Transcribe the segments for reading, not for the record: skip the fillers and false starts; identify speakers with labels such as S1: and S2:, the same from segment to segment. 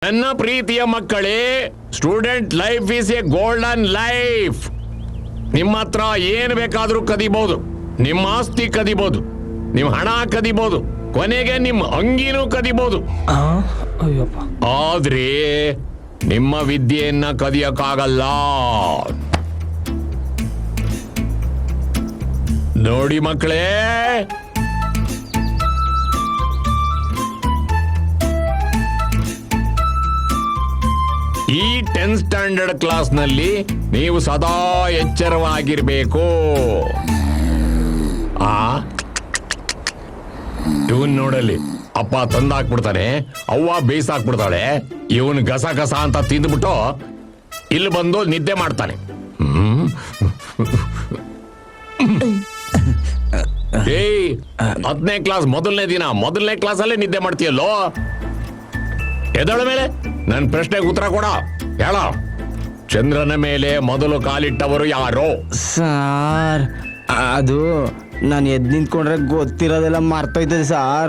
S1: ನನ್ನ ಪ್ರೀತಿಯ ಮಕ್ಕಳೇ, student life is a golden life. ನಿಮ್ಮ ಹತ್ರ ಏನು ಬೇಕಾದ್ರೂ ಕದಿಬಹುದು, ನಿಮ್ಮ ಆಸ್ತಿ ಕದಿಬಹುದು, ನಿಮ್ಮ ಹಣ ಕದಿಬಹುದು, ಕೊನೆಗೆ ನಿಮ್ಮ ಅಂಗಿನೂ ಕದಿಬಹುದು. ಆದ್ರೆ ನಿಮ್ಮ ವಿದ್ಯೆಯನ್ನ ಕದಿಯಕ್ಕಾಗಲ್ಲ. ನೋಡಿ ಮಕ್ಕಳೇ, ಈ 10th ಸ್ಟ್ಯಾಂಡರ್ಡ್ ಕ್ಲಾಸ್ ನಲ್ಲಿ ನೀವು ಸದಾ ಎಚ್ಚರವಾಗಿರ್ಬೇಕು. ಇವನ್ ನೋಡಲಿ, ಅಪ್ಪ ತಂದಾಕ್ಬಿಡ್ತಾನೆ, ಅವ್ವ ಬೇಯಿಸಾಕ್ಬಿಡ್ತಾಳೆ, ಇವನ್ ಗಸ ಗಸ ಅಂತ ತಿಂದ್ಬಿಟ್ಟು ಇಲ್ಲಿ ಬಂದು ನಿದ್ದೆ ಮಾಡ್ತಾನೆ. ಏಯ್, 10ನೇ ಕ್ಲಾಸ್ ಮೊದಲನೇ ಕ್ಲಾಸಲ್ಲೇ ನಿದ್ದೆ ಮಾಡ್ತೀಯಲ್ಲೋ. ಎದಳ ಮೇಲೆ ನನ್ನ ಪ್ರಶ್ನೆಗೆ ಉತ್ತರ ಕೊಡ. ಹೇಳ, ಚಂದ್ರನ ಮೇಲೆ ಮೊದಲು ಕಾಲಿಟ್ಟವರು ಯಾರು?
S2: ಸಾರ್, ಅದು ನಾನು ಎದ್ದು ನಿಂತ್ಕೊಂಡ್ರೆ ಗೊತ್ತಿರೋದೆಲ್ಲ ಮರ್ತೋಯ್ತದೆ ಸಾರ್.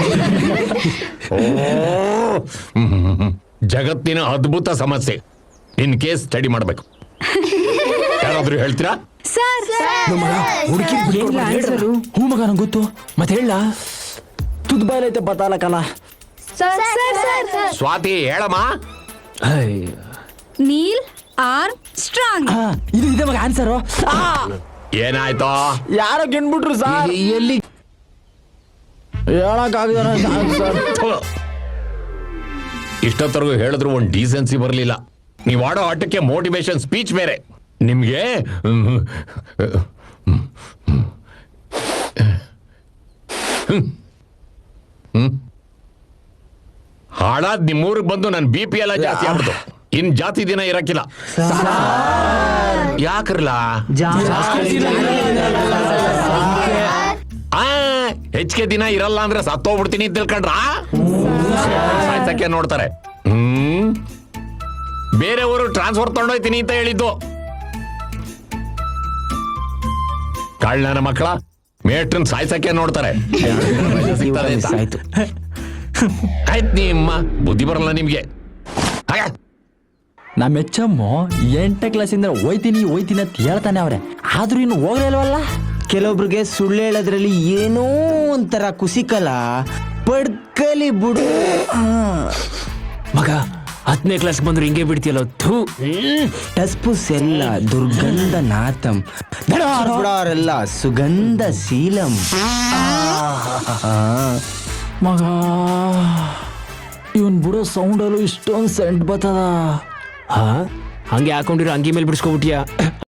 S1: ಜಗತ್ತಿನ ಅದ್ಭುತ ಸಮಸ್ಯೆ. ಇನ್ ಕೇಸ್ ಸ್ಟಡಿ ಮಾಡ್ಬೇಕು. ಯಾರಾದ್ರೂ ಹೇಳ್ತೀರಾ?
S3: ಹೂ ಮಗ, ನಂಗೆ ಗೊತ್ತು, ಮತ್ತೆ ಹೇಳ.
S2: ತುದ್ ಬಾಯ್ಲೈತೆ ಬತ್ತಾಲ ಕಲ.
S1: ಸ್ವಾತಿ, ಹೇಳಮ್ಮ.
S4: Neil Armstrong.
S3: ಇದು ಇದೆ ಮಗ ಆನ್ಸರು.
S1: ಏನಾಯ್ತು?
S2: ಯಾರೋ ಗೆನ್ಬಿಟ್ರು ಸಾರ್.
S3: ಎಲ್ಲಿ
S2: ಹೇಳಕ್ಕಾಗದ ಸರ್.
S1: ಇಷ್ಟೊತ್ತರೆಗೂ ಹೇಳಿದ್ರು ಒಂದು ಡೀಸೆನ್ಸಿ ಬರಲಿಲ್ಲ. ನೀವು ಆಡೋ ಆಟಕ್ಕೆ ಮೋಟಿವೇಶನ್ ಸ್ಪೀಚ್ ಬೇರೆ. ನಿಮ್ಗೆ ಹಾಳಾದ್ ನಿಮ್ಮೂರಿಗೆ ಬಂದು ನನ್ನ BP ಎಲ್ಲ ಜಾಸ್ತಿ ಆಗ್ಬಿಟ್ಟು ಇನ್ ಜಾತಿ ದಿನ ಇರಕ್ಕಿಲ್ಲ. ಯಾಕ್ರಲ್ಲ? ಹೆಚ್ಚಿಗೆ ದಿನ ಇರಲ್ಲ ಅಂದ್ರೆ ಸತ್ತೋಗ್ಬಿಡ್ತೀನಿ ತಿಳ್ಕೊಂಡ್ರ? ಸಾಯ್ಸಕ್ಕೆ ನೋಡ್ತಾರೆ. ಬೇರೆಯವರು ಟ್ರಾನ್ಸ್ಫರ್ ತಗೊಂಡೋಯ್ತೀನಿ ಅಂತ ಹೇಳಿದ್ದು. ಕಳ್ಳನ ಮಕ್ಕಳ ಮೇಟ್ರನ್ ಸಾಯ್ಸಕ್ಕೆ ನೋಡ್ತಾರೆ.
S2: ಆಯ್ತು
S1: ಆಯ್ತು, ನಿಮ್ಮ ಬುದ್ಧಿ ಬರಲ್ಲ ನಿಮ್ಗೆ.
S3: ನಮ್ಮ ಹೆಚ್ಚಮ್ಮು 8ನೇ ಕ್ಲಾಸಿಂದ ಹೋಯ್ತೀನಿ ಅಂತ ಹೇಳ್ತಾನೆ ಅವ್ರೆ, ಆದ್ರೂ ಇನ್ನು ಹೋಗ್ಲೇ ಇಲ್ವಲ್ಲ.
S2: ಕೆಲವೊಬ್ರಿಗೆ ಸುಳ್ಳು ಹೇಳೋದ್ರಲ್ಲಿ ಏನೋ ಒಂಥರ ಕುಸಿಕಲ್ಲ, ಪಡ್ಕಲಿ ಬಿಡು.
S3: ಮಗ, 10ನೇ ಕ್ಲಾಸ್ ಬಂದ್ರು ಹಿಂಗೆ ಬಿಡ್ತೀಯಲ್ಲ.
S2: ಟಸ್ಪುಸ್ ಎಲ್ಲ ದುರ್ಗಂಧ ನಾಥಂ, ಬಿಡೋರೆಲ್ಲ ಸುಗಂಧ ಶೀಲಂ.
S3: ಮಗ, ಇವನ್ ಬಿಡೋ ಸೌಂಡಲ್ಲೂ ಇಷ್ಟೊಂದು ಸೆಂಟ್ ಬರ್ತದ. ಹಂಗೆ ಹಾಕೊಂಡಿರೋ ಅಂಗಿ ಮೇಲೆ ಬಿಡಿಸ್ಕೊಬಿಟ್ಟಿಯಾ?